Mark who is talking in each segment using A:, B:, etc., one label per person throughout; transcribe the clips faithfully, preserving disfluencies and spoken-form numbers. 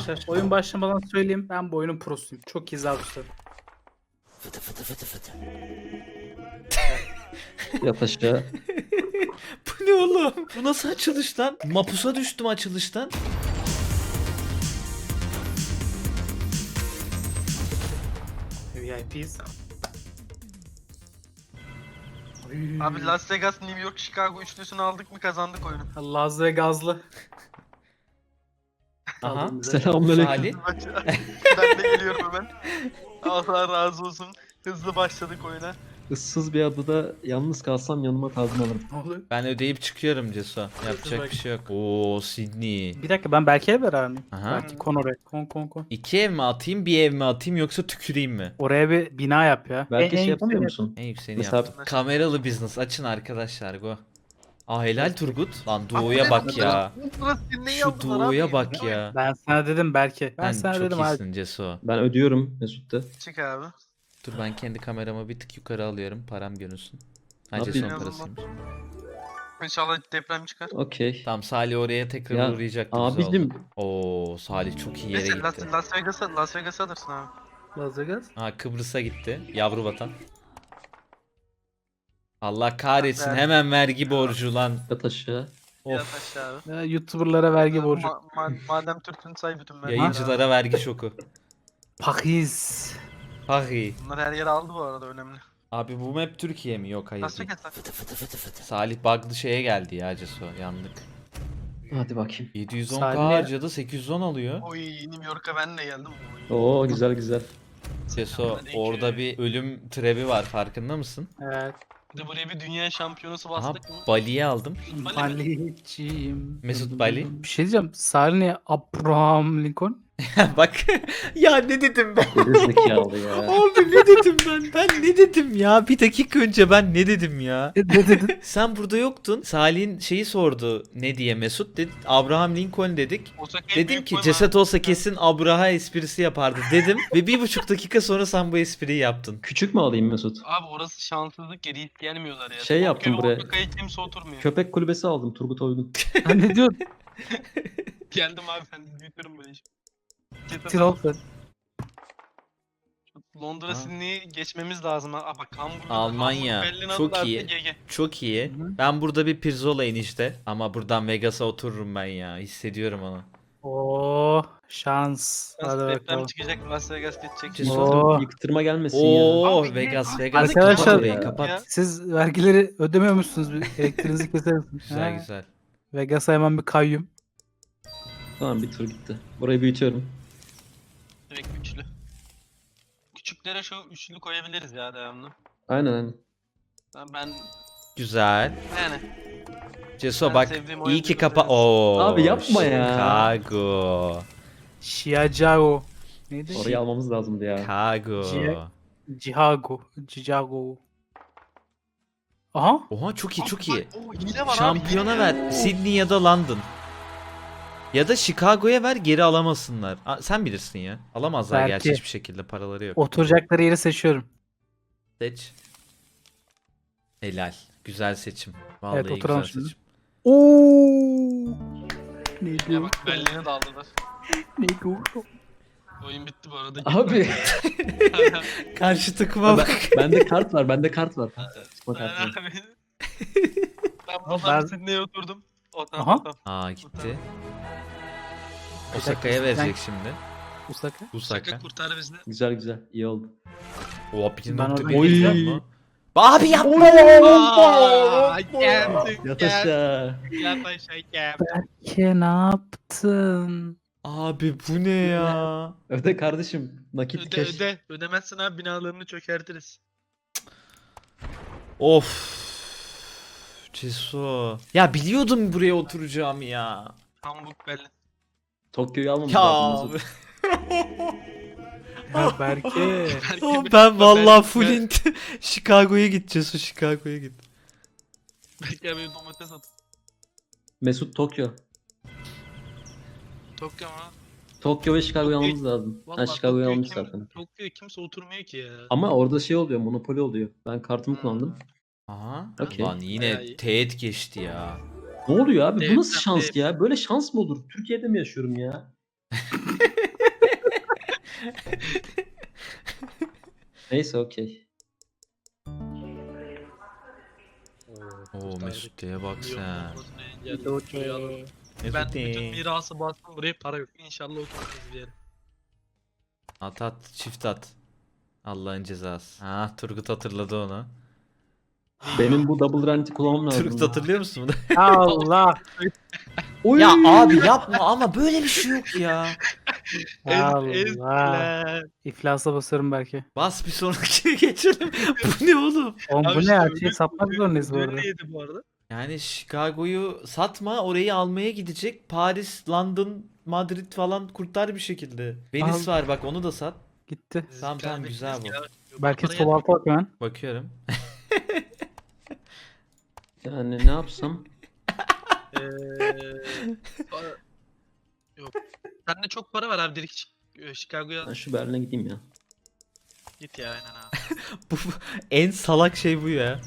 A: Arkadaşlar oyun başlamadan söyleyeyim, ben bu oyunun prosuyum. Çok iyi zabıtlarım.
B: Fıtı fıtı fıtı fıtı.
C: Yat aşağı.
B: Bu ne oğlum? Bu nasıl açılış lan? Mapusa düştüm açılıştan.
A: V I P'yiz.
D: Abi Las Vegas, New York, Chicago üçlüsünü aldık mı kazandık oyunu.
A: Las Vegas'lı.
B: Aha.
A: Aldığım bize.
C: Selamünaleyküm.
B: Salih.
D: Ben de geliyorum hemen. Allah razı olsun. Hızlı başladık oyuna.
C: Issız bir adada yalnız kalsam yanıma kazma alırım.
A: Ne oluyor?
B: Ben ödeyip çıkıyorum Ceso. Yapacak bir şey yok. Oo Sydney.
A: Bir dakika, ben Berke'yle beraber miyim?
B: Aha.
A: Belki kon oraya. Kon kon kon.
B: İki ev mi atayım, bir ev mi atayım yoksa tüküreyim mi?
A: Oraya bir bina yap ya.
C: Belki
A: En- en
C: şey
A: yakın
C: yapıyor
A: bir-
C: musun?
B: En yükseğini
C: Mesela-
B: yaptım. Kameralı business açın arkadaşlar go. Aa helal Turgut. Lan doğuya bak ya.
D: Burası neyi
B: Şu
D: aldılar
B: doğuya
D: abi?
B: bak ya.
A: Ben sana dedim Berke. Ben,
B: Ben
A: sana
B: çok
A: dedim abi.
B: iyisin Ceso.
C: Ben ödüyorum Mesut'ta.
D: Çık abi.
B: Dur ben kendi kameramı bir tık yukarı alıyorum. Param görünsün. Ha
C: Ne
B: Ceso'nun
D: yapayım?
B: parasıymış.
D: İnşallah deprem çıkar.
C: Okey.
B: Tamam Salih oraya tekrar
C: Ya,
B: uğrayacak.
C: abicim.
B: Oo Salih çok iyi yere
D: Neyse Las,
B: gitti.
D: Las Vegas'a Las Vegas'a alırsın abi.
A: Las Vegas.
B: Ha Kıbrıs'a gitti. Yavru vatan. Allah kahretsin
D: Ver.
B: hemen vergi borcu lan.
C: Yat aşağı.
D: Yat
B: Of.
D: aşağı abi.
A: Ya, YouTuber'lara vergi borcu.
D: Ma- ma- madem Türk'ün say bütün vergileri
B: Yayıncılara vergi şoku.
A: Pakiz.
B: Pahi.
D: abi. Bunlar her yere aldı bu arada, önemli.
B: Abi bu map Türkiye mi? Yok hayır
D: Las
B: değil.
D: Vegas.
B: Fıtı fıtı fıtı fıtı. Salih bug'lı şeye geldi ya Ceso. Yandık.
C: Hadi bakayım.
B: yedi yüz on K
A: Salih-
B: harcadı sekiz yüz on alıyor.
D: Oy New York'a ben de geldim. Oy.
C: Oo güzel güzel.
B: Ceso orada bir ölüm trebi var farkında mısın?
A: Evet.
D: Bir de buraya bir dünya şampiyonası
B: Aha
D: bastık mı?
B: Bali'yi aldım.
D: Bali mi?
A: Baliciyim.
B: Mesut Bali.
A: Bir şey diyeceğim. Salih Abraham Lincoln.
B: Bak ya ne dedim ben?
C: Geri zekalı ya.
B: Abi ne dedim ben? Ben ne dedim ya? Bir dakika önce ben ne dedim ya?
A: Ne ne dedin?
B: Sen burada yoktun. Salih'in şeyi sordu ne diye Mesut dedi. Abraham Lincoln dedik.
D: Osaka'ya
B: Dedim
D: büyük
B: ki
D: koyma
B: ceset
D: abi.
B: olsa kesin Abraha esprisi yapardı dedim. Ve bir buçuk dakika sonra sen bu espriyi yaptın.
C: Küçük mü alayım Mesut?
D: Abi orası şanssızlık yeri, hiç gelmiyorlar ya.
C: Şey yaptım
D: Tokyo'da
C: buraya.
D: Osaka'ya kimse oturmuyor.
C: Köpek kulübesi aldım Turgut Oygun.
A: Ha, ne diyorsun?
D: Geldim abi, ben büyütürüm böyle işi. Ceset-
A: Tirol.
D: Londra,
B: Ha.
D: Sydney'i geçmemiz lazım. ha. Aa, bak Hamburg,
B: Almanya.
D: Hamburg, Berlin
B: Çok
D: aldılar,
B: iyi.
D: G G.
B: Çok iyi. Ben burada bir pirzola enişte. Ama buradan Vegas'a otururum ben ya. Hissediyorum onu.
A: Oo, şans. Hadi
D: Nasıl deprem
A: bakalım.
D: çıkacak, Las Vegas geçecek.
B: Ceset-
A: Oo.
C: Yıktırma gelmesin ya.
B: Oo
D: Abi,
B: Vegas
D: ne-
B: Vegas.
A: Arkadaşlar-
B: Kapat orayı, kapat.
D: Ya.
A: Siz vergileri ödemiyor musunuz? Bir elektriğinizi keser misiniz?
B: Güzel
A: Ha.
B: güzel.
A: Vegas'a hemen bir kayyum.
C: Tamam bir tur gitti. Burayı büyütüyorum.
D: Direkt üçlü. Küçüklere şu üçlü koyabiliriz ya devamlı.
C: Aynen aynen.
D: Ben, ben
B: Güzel.
D: yani
B: Ceso
D: Ben
B: bak
D: sevdiğim
B: iyi
D: oyuncu
B: ki
D: da
B: kapa.
D: severiz.
B: Oo.
C: Abi yapma ya.
B: Chicago.
A: Chiago. Neydi?
C: Orayı almamız lazımdı ya.
B: Chicago.
A: Ci- Chicago. Chicago. Aha.
B: Oha çok iyi çok iyi.
D: O hile var
B: Şampiyona
D: abi.
B: ver. Sydney ya da London. Ya da Chicago'ya ver geri alamasınlar. Aa, sen bilirsin ya. Alamazlar
A: Belki.
B: gerçi hiçbir şekilde paraları yok.
A: Oturacakları yeri seçiyorum.
B: Seç. Helal. Güzel seçim. Vallahi
A: Evet, oturalım
B: güzel
A: şimdi.
B: seçim.
A: Oo. Ne
D: Ya
A: diyor?
D: bak Berlin'e de aldılar.
A: Ne diyor?
D: Oyun bitti bu arada.
C: Abi.
B: Karşı takıma
C: ben,
B: bak.
C: bende kart var. Bende kart var. Çıkma
D: Ben
C: kartı.
D: abi. Ben
A: Ama
D: buradan
A: ben-
D: Sydney'e oturdum. O
A: Aha.
D: tamam tamam.
B: Aa gitti.
A: Bir
B: Osaka'ya
A: dakika,
B: verecek şimdi.
A: Osaka.
B: Osaka.
D: Şaka kurtar bizi.
C: Güzel güzel. İyi oldu.
B: O bir
A: Ben
B: nokta
A: orada
B: bir
C: gideceğim.
B: yapma. Abi yapma.
D: Aa, geldik,
C: Yat
D: gel.
C: aşağı.
D: Yat aşağı gel.
A: Berke ne yaptın?
B: Abi bu ne ya?
C: Öde kardeşim. Nakit
D: Öde
C: keş.
D: öde. Ödemezsen abi binalarını çökertiriz.
B: Of. Ceso. Ya biliyordum buraya oturacağım ya.
D: Hamburg, Berlin.
C: Tokyo'yu almamız
B: Ya
C: lazım.
B: abi.
C: Mesut.
A: Ya Berke.
D: Belki
B: Oğlum
D: bir-
B: ben vallahi
D: belki-
B: full int Chicago'ya gideceğiz. O Chicago'ya git.
D: Belki abi domates at.
C: Mesut Tokyo.
D: Tokyo ama.
C: Tokyo ve Chicago'yu
D: Tokyo-
C: almamız lazım. Ha
D: Vallahi
C: Chicago'yu
D: Tokyo'yu
C: almış
D: kim-
C: zaten.
D: Tokyo'ya kimse oturmuyor ki ya.
C: Ama orada şey oluyor. Monopoli oluyor. Ben kartımı kullandım.
B: Aha.
C: Okey.
B: Lan
D: Bayağı
B: yine
D: iyi.
B: teğet geçti ya.
C: Ne oluyor abi? Bu
D: Evet,
C: nasıl
D: tabii.
C: şans ya? Böyle şans mı olur? Türkiye'de mi yaşıyorum ya? Neyse okey.
B: Oo Mesut diye bak sen.
D: Ben
B: Mesut
D: bütün
B: diye.
D: mirası bastım buraya para yok. İnşallah otururuz bir yere.
B: At at çift at. Allah'ın cezası. Ha Turgut hatırladı onu.
C: Benim bu double rent'i kullanmam lazım.
B: Turgut hatırlıyor musun bunu?
A: Allah.
C: Oy!
B: Ya abi yapma ama böyle bir şey yok ya.
A: Allah. İflasa basarım belki.
B: Bas bir sonraki geçelim. Bu ne oğlum?
A: Oğlum
D: Abi
A: bu
D: işte
A: ne ya?
D: öyle-
A: Şey satmak zorundayız bu
D: Öyle
A: arada.
D: neydi bu arada?
B: Yani Chicago'yu satma, orayı almaya gidecek. Paris, London, Madrid falan kurtar bir şekilde. Venice
A: Al.
B: var bak, onu da sat.
A: Gitti.
B: Tamam, tamam, güzel bu.
A: Belki
D: Parayı-
A: sol alta bak hemen.
B: Bakıyorum.
C: Yani ne yapsam?
D: Eee, para- Yok. Sende çok para var abi, direkt Chi- Chicago'ya
C: Ben şu Berlin'e gideyim ya.
D: git ya, aynen abi.
B: Bu en salak şey bu ya.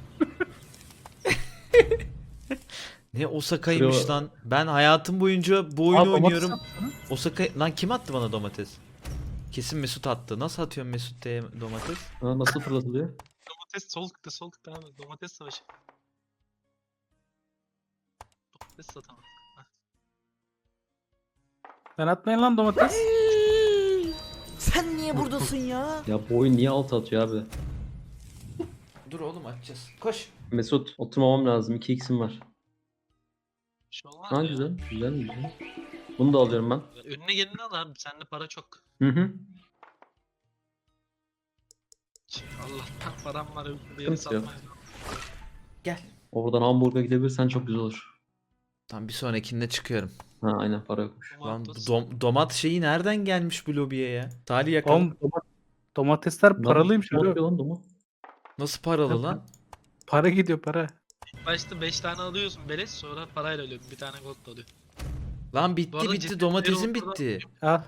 B: Ne Osaka'ymış
C: Şuraya-
B: lan. Ben hayatım boyunca bu oyunu
A: Aa, domates
B: oynuyorum.
A: satsana.
B: Osaka lan kim attı bana domates? Kesin Mesut attı. Nasıl atıyorsun Mesut diye domates?
C: Ha, nasıl fırlatılıyor?
D: Domates sol tıkta, sol tıkta abi. Domates savaşı. Domates satamam.
A: Sen atmayın lan domates.
B: Sen niye buradasın ya?
C: Ya bu oyun niye alt atıyor abi?
B: Dur oğlum, açacağız. Koş.
C: Mesut oturmamam lazım. iki x'im var.
D: Bir şey olmaz
C: Ha
D: ya.
C: güzel. Güzel güzel. Bunu da alıyorum ben.
D: Önüne geleni al abi. Sende para çok.
C: Hı hı.
D: Allah'tan param var. Bir yeri
C: Sıkıntı yok.
D: satmayız.
B: Gel.
C: Oradan Hamburg'a gidebilirsen çok güzel olur.
B: Tam bir sonrakinde çıkıyorum.
C: Ha aynen para yokmuş.
B: Lan bu
D: Domates.
B: dom- domat şeyi nereden gelmiş bu lobiye ya? Talih yakalım.
A: Oğlum doma- domatesler paralıymış
C: Lan, ne
A: abi.
C: yapıyor lan domu?
B: Nasıl paralı lan?
A: Para gidiyor para.
D: İlk başta beş tane alıyorsun beleş, sonra parayla alıyorsun. Bir tane gold da alıyor.
B: Lan
D: Bu
B: bitti
D: arada
B: bitti
D: ciddi
B: domatesin
D: bir ortada-
B: bitti.
A: Al.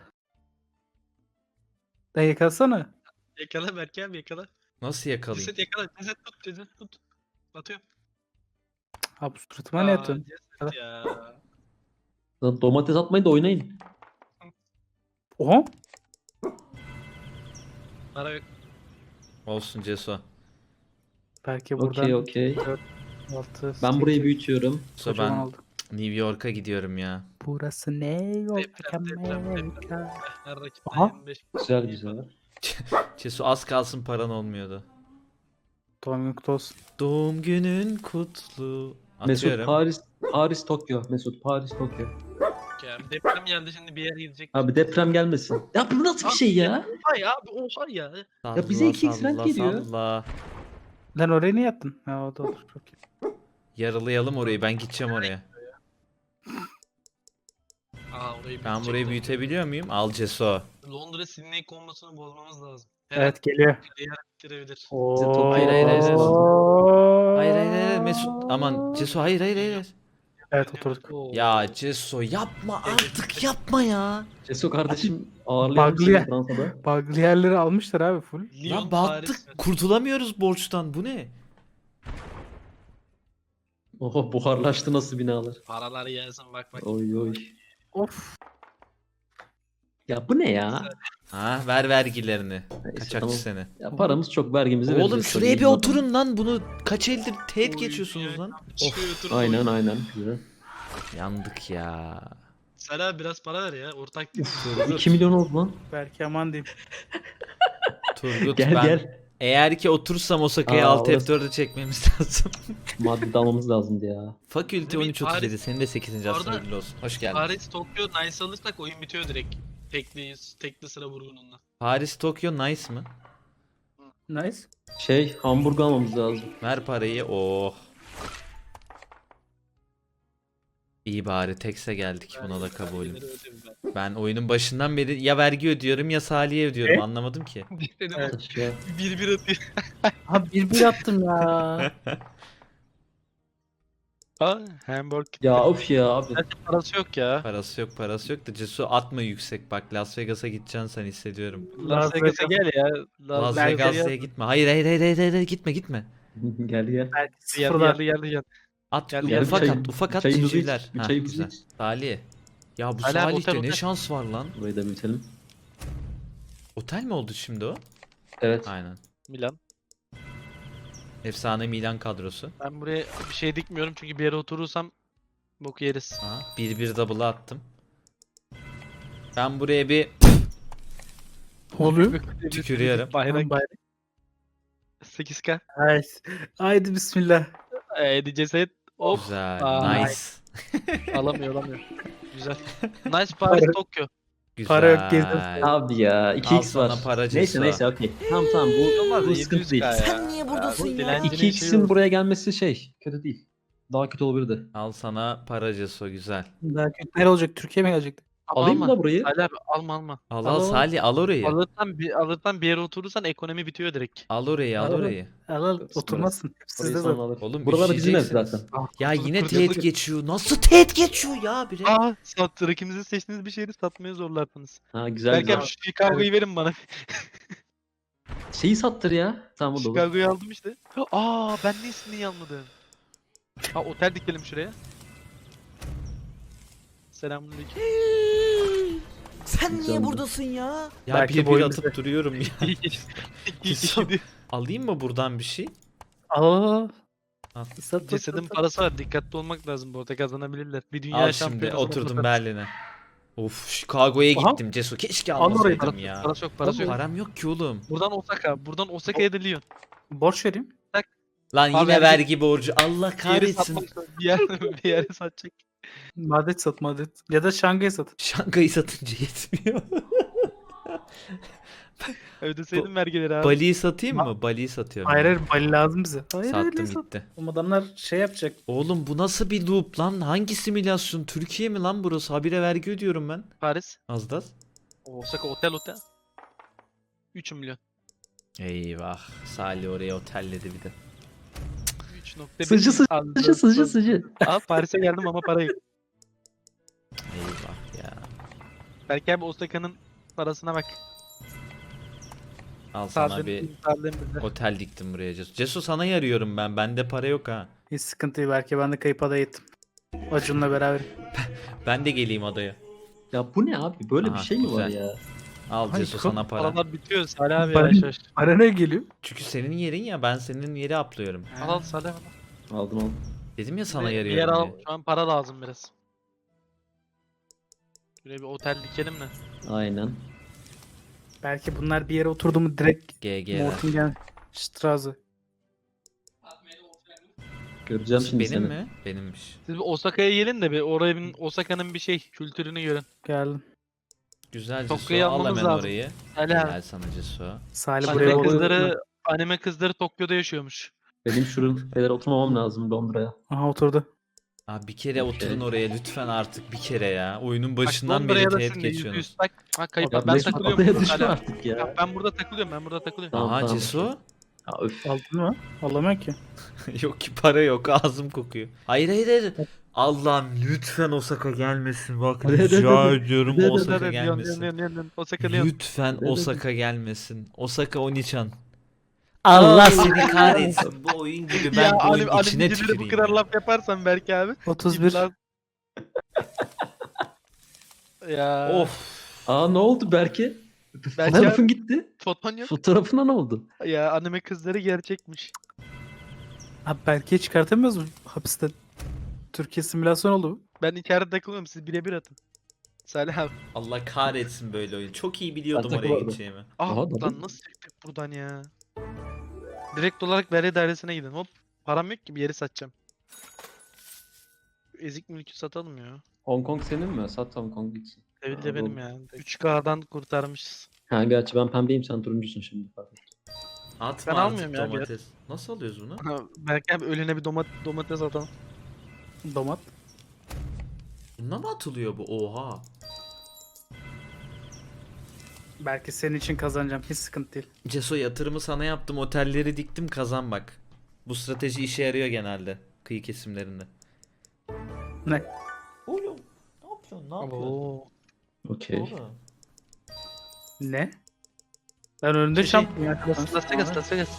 A: Da yıkasana.
D: Yakala Berke abi, yakala.
B: Nasıl yakalayayım?
D: Ceset yakala. Ceset tut, ceset tut. Atıyorum.
A: Ha bu suratıma ne
D: Aa,
A: atıyorsun?
D: ceset ya.
C: Lan domates atmayın da oynayın.
A: Oha.
D: Para yok.
B: Olsun Ceso.
A: Belki buradan
C: Okey okey.
A: altı.
C: Ben burayı büyütüyorum.
B: So
A: Kocaman
B: ben
A: oldu.
B: New York'a gidiyorum ya.
A: Burası ne yok
D: Deprem, deprem,
A: Amerika.
D: Her rakipten
A: Aha.
D: yirmi beş.
C: Güzel güzel.
B: Ceso az kalsın paran olmuyordu.
A: Doğum günün kutlu olsun.
B: Doğum günün kutlu.
C: Mesut
B: Atıyorum.
C: Paris Paris Tokyo. Mesut Paris Tokyo.
D: Ya deprem geldi, şimdi bir yere gidecek.
C: Abi deprem gelmesin. Ya bu nasıl bir şey ya?
D: Oha ya abi, oha ya.
C: Ya bize iki x rent geliyor.
B: Salla.
A: Lan oraya niye yattın? Ha o da olur. Çok iyi.
B: Yaralayalım orayı, ben gideceğim oraya.
D: Aa, orayı
B: Ben
D: bitecek
B: burayı
D: de.
B: büyütebiliyor muyum? Al Ceso.
D: Londra Sydney kombosunu bozmamız lazım. Her
A: Evet geliyor.
D: an bitirebilir.
A: Oo.
B: Hayır, hayır, hayır, hayır.
A: Oo.
B: Hayır hayır hayır Mesut, aman Ceso, hayır hayır hayır.
A: Evet oturduk.
D: Oo.
B: Ya Ceso yapma artık, yapma ya.
C: Ceso kardeşim ağırlayalım
A: Bug'lı
C: seni
A: ya.
C: Fransa'da.
A: Bug'lı yerleri almışlar abi full.
D: Lyon,
B: Lan
D: Paris.
B: battık, kurtulamıyoruz borçtan, bu ne?
C: Oho buharlaştı nasıl binalar.
D: Paralar gelsin, bak bak.
C: Oy oy.
A: Of.
C: Ya bu ne ya?
B: Ha ver vergilerini.
C: Neyse,
B: Kaçakçı
C: tamam.
B: seni.
C: Ya paramız çok vergimizi
B: Oğlum
C: vereceğiz
B: şuraya
C: tabii.
B: bir oturun lan, bunu kaç eldir teğet
D: Oy,
B: geçiyorsunuz
D: ya.
B: lan.
D: Şuraya oturun,
C: Aynen
D: oy.
C: aynen. Güzel.
B: Yandık ya.
D: Sela biraz para ver ya. Ortak değil mi?
B: Turgut,
C: iki milyon oldu lan.
A: Belki aman diyeyim.
B: Turgut
C: Gel
B: ben
C: gel.
B: eğer ki otursam Osaka'ya
C: Aa,
B: alt F
C: orası-
B: dördü çekmemiz lazım.
C: Madde almamız lazımdı ya.
B: Fakülte
D: Değil mi?
B: on üç otuz yedi,
D: Paris-
B: senin de sekizinci
D: Bu
B: asrın
D: arada-
B: hayırlı olsun. Hoş geldin.
D: Paris, Tokyo, Nice alırsak oyun bitiyor direkt. Tekli, tekli sıra vurgununla.
B: Paris, Tokyo, nice mı?
A: Nice.
C: Şey Hamburg almamız lazım.
B: Ver parayı. Oh. İyi bari tekse geldik, buna da kabulüm.
D: Vergileri ödedim ben.
B: Ben oyunun başından beri ya vergi ödüyorum ya Salih'e ödüyorum,
A: Ne?
B: anlamadım ki.
D: Dedim
A: Evet.
C: Ya,
D: bir bir atıyor.
A: Abi bir bir attım ya.
D: Ha, Hamburg.
C: ya of ya abi.
D: Zaten parası yok ya.
B: Parası yok, parası yok da Cesu atma yüksek, bak Las Vegas'a gideceksin sen, hissediyorum.
D: Las Vegas'a gel ya.
B: Las
A: Belki
B: Vegas'a gitme. Hayır hayır hayır hayır, hayır, gitme gitme.
C: gel gel.
A: Belki
D: Geldi
A: sıfırlar.
D: geldi geldi geldi.
B: At
D: Gel,
C: gel,
B: ufak
C: bir çay-
B: at ufak
C: bir
B: at
C: çayımızı
B: civcivler.
C: iç, bir
B: Ha,
C: çayımızı
B: güzel.
C: iç.
B: Salih. Ya bu
D: Hala
B: Salih'te
D: otel,
B: ne
D: otel.
B: şans var lan.
C: Burayı da bitelim.
B: Otel mi oldu şimdi o?
C: Evet.
B: Aynen.
D: Milan.
B: Efsane Milan kadrosu.
D: Ben buraya bir şey dikmiyorum çünkü bir yere oturursam boku yeriz.
B: Ha, bir bir double'a attım. Ben buraya bir
A: Ne oluyor?
B: tükürüyorum.
D: Bayrak
A: Bay-
D: sekiz K.
A: Haydi. Haydi bismillah.
D: Eee ceset. Hop.
B: Güzel.
D: Aa,
B: nice.
D: Alamıyor alamıyor. Güzel. Nice Paris
A: Para-
D: Tokyo.
B: Güzel.
A: Para yok, geziyoruz.
C: Abi ya iki
B: Al
C: x
B: sana
C: var.
B: para
C: Neyse
B: Ceso.
C: neyse okey. Tamam tamam bu,
D: Olmaz
C: bu
D: ya,
C: sıkıntı
D: yedi yüz
C: değil.
D: K ya.
B: Sen niye buradasın ya?
D: dilencinin
C: iki
D: şeyi
C: x'in
D: olur.
C: buraya gelmesi şey kötü değil. Daha kötü olabilirdi.
B: Al sana para Ceso, güzel.
A: Daha kötü. Nereye olacak? Türkiye mi gelecekti?
D: Ama
C: Alayım mı
D: alma.
C: da burayı?
D: Ali abi alma alma.
B: Al
A: Al,
B: al
A: al.
B: Salih, al orayı.
D: Alırsan bir, alırsan bir yere oturursan ekonomi bitiyor direkt.
B: Al orayı, al
A: Al, al.
B: orayı.
A: Al al oturmazsın. Hep
C: Burayı
A: sizde
C: sonra
A: zaten.
C: alır.
B: Oğlum
C: Buralar bizim ev
B: üşüyeceksiniz.
C: zaten.
B: Ya yine
D: Kurtuluk.
B: teğet geçiyor. Nasıl teğet geçiyor ya biri?
D: Aa sat rakibinizi seçtiğiniz bir şehri satmaya zorlardınız.
C: Ha güzel
D: Belki
C: güzel.
D: abi şu Chicago'yu verin bana.
C: Şeyi sattır ya. Tamam burada olur.
D: Chicago'yu aldım işte. Aa ben ne ismini almadım. Ha otel dikelim şuraya. Selamünaleyküm.
B: Sen
C: niye
B: niye
C: buradasın
B: buradasın ya? Ya
A: Belki
B: bir bir
A: boyun
B: atıp duruyorum ya.
D: İyi geç. İyi
B: Ceso.
D: geçti.
B: Alayım mı buradan bir şey?
A: Al al al.
B: Al.
A: Sat, sat,
D: Cesedin
A: sat.
D: parası var. Dikkatli olmak lazım bu arada kazanabilirler. Bir dünya
B: Al şimdi
D: şampiyonası
B: oturdum
D: mutlaka-
B: Berlin'e. Of Chicago'ya
A: Aha.
B: gittim Ceso. Keşke
A: Al orayı,
B: almasaydım ya.
D: Parası yok parası yok.
B: Param yok ki oğlum.
D: Buradan Osaka. Buradan Osaka'ya da Lyon.
A: Borç vereyim.
B: Lan
D: Abi
B: yine
D: vergi-
B: vergi borcu. Allah
D: Bir yeri
B: kahretsin.
D: satmak bir yer, bir yere satacak.
A: Madrid sat Madrid. Ya da Şangay sat.
B: Şangay'ı satınca yetmiyor.
D: Ödeseydin vergileri abi.
B: Bali'yi satayım mı? Bali'yi satıyorum.
A: Hayır
B: yani.
A: hayır Bali lazım bize. Hayır hayır
B: Sattım
A: ne sat.
B: gitti.
A: Oğlum adamlar şey yapacak.
B: Oğlum bu nasıl bir loop lan? Hangi simülasyon? Türkiye mi lan burası? Habire vergi ödüyorum ben.
D: Paris.
B: Az da az.
D: Osaka otel otel. üç milyon.
B: Eyvah. Salih oraya otelledi bir de.
D: üç nokta bir.
C: Sıcı sıcı
D: Aldım.
C: sıcı sıcı sıcı.
D: Abi Paris'e geldim ama para yok.
B: Eyvah ya.
D: Belki abi Osaka'nın parasına bak.
B: Al sana
D: Sağlığın-
B: bir
D: sağlığın bize.
B: otel diktim buraya Cesu. Cesu sana yarıyorum ben. Bende para yok ha.
A: Hiç sıkıntı değil. Belki ben de kayıp adaya gittim. Acun'la beraber.
B: Ben de geleyim adaya.
C: Ya bu ne abi? Böyle
B: Aha,
C: bir şey mi var
B: güzel.
C: ya?
B: Al
A: Ay,
B: Cesu
A: çok
B: sana para.
D: Paralar bitiyor Salih abi
A: Para-
D: yavaş yavaş.
A: Para ne geliyor?
B: Çünkü senin yerin ya, ben senin yeri aplıyorum.
D: Al al Salih al.
C: Aldım aldım.
B: Dedim ya sana
D: Bir- bir yer
B: yarıyorum
D: al.
B: diye.
D: Şu an para lazım biraz. Şuraya bir otel dikelim de.
C: Aynen.
A: Belki bunlar bir yere oturdu mu direkt
B: G G'ler.
A: Mortingen Straße.
C: Göreceğim şimdi
B: Benim
C: seni.
B: mi? Benimmiş.
D: Siz bir Osaka'ya gelin de bir orayı Osaka'nın bir şey kültürünü görün.
A: Geldim.
B: Güzel
D: Tokyo'yu
B: Cesu. Al
D: almamız
B: hemen
D: lazım.
B: orayı.
D: Salih abi.
B: Helal sana Cesu.
A: Salih
C: Hadi
A: buraya
D: Anime
C: bakalım.
A: oturdu.
D: kızları, anime kızları Tokyo'da yaşıyormuş.
C: Benim şuralara oturmamam lazım Londra'ya.
A: Aha oturdu.
B: Abi bir kere
C: Okey.
B: oturun oraya lütfen artık bir kere ya. Oyunun
D: Bak,
B: başından
D: Londra'ya
B: beri
D: da
B: teğet
D: şimdi yüzde yüz
B: geçiyorsunuz.
D: Bak, ha, kayıp.
C: Ya
D: ben
C: Mesut
D: takılıyorum.
C: adaya
D: burada
C: düşme
D: Salih abi.
C: artık ya.
D: Ya ben burada takılıyorum, ben burada takılıyorum.
C: Tamam,
B: Aha
C: tamam.
B: Cesu.
C: Ya öf.
A: Aldın mı? Alamıyor ki.
B: Yok ki para yok, ağzım kokuyor. Hayır hayır hayır. Allah'ım lütfen Osaka gelmesin. Bak
C: De, de, de,
B: rica
C: de.
B: ediyorum
C: De, de, de,
B: Osaka
D: Lyon, Lyon,
B: gelmesin.
D: Lyon, Lyon, Lyon. Osaka Lyon.
B: Lütfen
C: De, de, de.
B: Osaka gelmesin. Osaka Onichan. Allah seni kahretsin. Bu oyun gibi ben
D: Ya
B: bu oyun
D: anim,
B: içine
D: animecileri bu
B: tüküreyim.
D: kadar
B: ya.
D: laf yaparsan belki abi.
A: otuz bir.
D: Lan- ya
B: Of.
C: Aa ne oldu Berke?
D: Berke
C: Fotoğrafın gitti.
D: foton yok.
C: Fotoğrafına ne oldu?
D: Ya anime kızları gerçekmiş.
A: Abi belki çıkartamıyoruz mu hapisten? Türkiye simülasyon oldu bu.
D: Ben içeride takılıyorum, siz birebir atın. Salih abi.
B: Allah kahretsin böyle oyun. Çok iyi biliyordum
C: Ben
B: oraya
C: takılırdım.
B: gideceğimi.
D: Ah
C: Aha,
D: lan
C: tabii.
D: nasıl çıktık buradan ya? Direkt olarak vergi dairesine gidin. Hop. Param yok ki, bir yeri satacağım. Ezik mülkü satalım ya.
C: Hong Kong senin mi? Sat Hong Kong gitsin.
D: Evil
C: Aa,
D: de benim
C: doğru.
D: ya. üç K'dan kurtarmışız.
C: Ha gerçi ben pembeyim sen turuncusun şimdi. Pardon.
B: Atma
D: Ben
B: artık
D: almıyorum ya bir
B: domates. Nasıl alıyoruz bunu?
D: Belki abi ölüne bir domat domates atalım.
A: Domat.
B: Bununla mı atılıyor bu? Oha.
A: Belki senin için kazanacağım. Hiç sıkıntı değil.
B: Ceso yatırımı sana yaptım. Otelleri diktim, kazan bak. Bu strateji işe yarıyor genelde. Kıyı kesimlerinde.
A: Ne?
B: Oğlum. Ne yapıyorsun? Ne yapıyorsun?
D: Oo.
C: Okey.
B: Oğlum.
A: Ne? Ben önünde
D: Şey,
A: şampiyon.
D: Las Las Vegas, Las Vegas.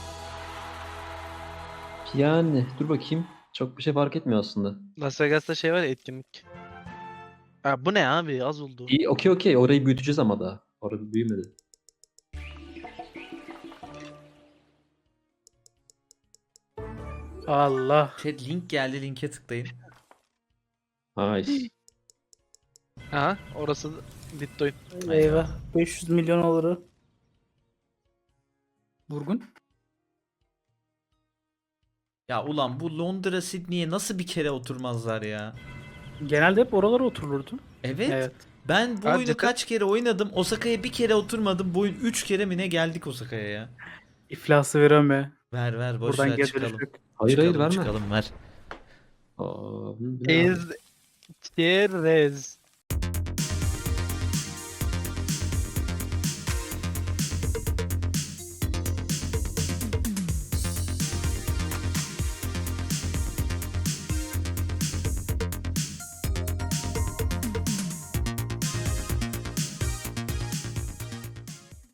C: Yani dur bakayım. Çok bir şey fark etmiyor aslında.
D: Las Vegas'ta şey var ya, etkinlik. Ha, bu ne abi? Az oldu.
C: İyi okey okey orayı büyüteceğiz ama daha. Orası büyümedi.
A: Allah.
B: Chat link geldi, linke tıklayın.
C: Ay.
D: Aha, orası Bitcoin.
A: Eyvah. beş yüz milyon olur. Vurgun.
B: Ya ulan bu Londra Sydney'e nasıl bir kere oturmazlar ya?
A: Genelde hep oralara oturulurdu.
B: Evet.
A: Evet.
B: Ben bu
D: Ha,
B: oyunu
D: cidden-
B: kaç kere oynadım. Osaka'ya bir kere oturmadım. Bu oyun üç kere mi ne geldik Osaka'ya ya?
A: İflası vereme.
B: Ver ver boş
A: Buradan
B: ver
A: geri
B: çıkalım.
A: dönüş yok.
C: Hayır
B: çıkalım,
C: hayır verme.
B: Çıkalım ver.
C: Aa, bu ne abi?
D: Ez. Çerez.